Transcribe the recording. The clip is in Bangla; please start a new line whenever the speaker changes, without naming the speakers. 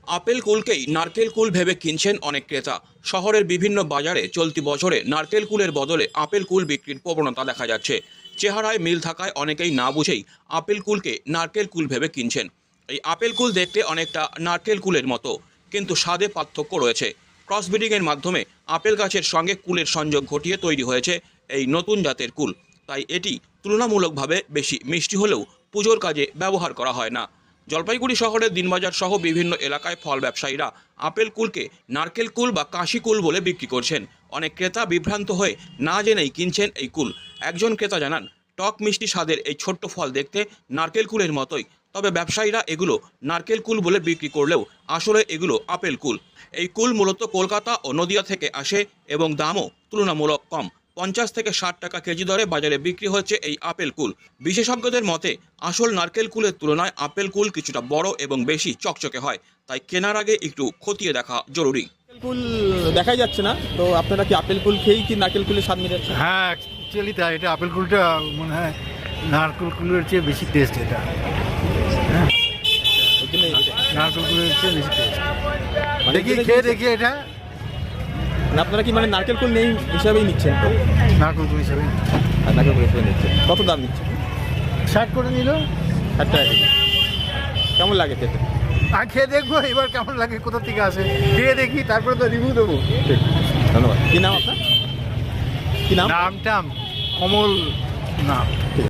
আপেল কুলকেই নারকেল কুল ভেবে কিনছেন অনেক ক্রেতা। শহরের বিভিন্ন বাজারে চলতি বছরে নারকেল কুলের বদলে আপেল কুল বিক্রির প্রবণতা দেখা যাচ্ছে। চেহারায় মিল থাকায় অনেকেই না বুঝেই আপেল কুলকে নারকেল কুল ভেবে কিনছেন। এই আপেল কুল দেখতে অনেকটা নারকেল কুলের মতো, কিন্তু স্বাদে পার্থক্য রয়েছে। ক্রসব্রিডিংয়ের মাধ্যমে আপেল গাছের সঙ্গে কুলের সংযোগ ঘটিয়ে তৈরি হয়েছে এই নতুন জাতের কুল। তাই এটি তুলনামূলকভাবে বেশি মিষ্টি হলেও পুজোর কাজে ব্যবহার করা হয় না। জলপাইগুড়ি শহরের দিনবাজার সহ বিভিন্ন এলাকায় ফল ব্যবসায়ীরা আপেল কুলকে নারকেল কুল বা কাশি কুল বলে বিক্রি করছেন। অনেক ক্রেতা বিভ্রান্ত হয়ে না জেনেই কিনছেন এই কুল। একজন ক্রেতা জানান, টক মিষ্টি স্বাদের এই ছোট্ট ফল দেখতে নারকেল কুলের মতোই, তবে ব্যবসায়ীরা এগুলো নারকেল কুল বলে বিক্রি করলেও আসলে এগুলো আপেল কুল। এই কুল মূলত কলকাতা ও নদিয়া থেকে আসে এবং দামও তুলনামূলক কম। 50 থেকে 60 টাকা কেজি দরে বাজারে বিক্রি হচ্ছে এই আপেল কুল। বিশেষজ্ঞদের মতে আসল নারকেল কুলের তুলনায় আপেল কুল কিছুটা বড় এবং বেশি চকচকে হয়, তাই কেনার আগে একটু খতিয়ে দেখা জরুরি।
নারকেল কুল দেখাই যাচ্ছে না, তো আপনারা কি আপেল কুল খেয়েই কি নারকেল কুলের স্বাদ মেটাচ্ছেন?
হ্যাঁ, অ্যাকচুয়ালি তাই। এটা আপেল কুলটা মনে হয় নারকেল কুলের চেয়ে বেশি টেস্ট। এটা হ্যাঁ,
ওই জন্য
নারকেল কুলের চেয়ে বেশি টেস্ট।
মানে
দেখি
যেটা
খেয়ে
দিয়েছে-
দেখি এটা
আপনারা কি মানে নারকেল কুল নেই হিসাবেই নিচ্ছেন তো?
নারকেল কুল হিসাবে
আর নারকেল কুল হিসেবে নিচ্ছেন। কত দাম নিচ্ছেন?
60 করে নিল।
60 টাকা কেজি। কেমন লাগে খেতে?
আর খেয়ে দেখবো এবার কেমন লাগে, কোথা থেকে আসে খেয়ে দেখি, তারপরে তো রিভিউ দেবো।
ঠিক, ধন্যবাদ। কি নাম আপনার? কি নাম?
নামটা কমল নাম।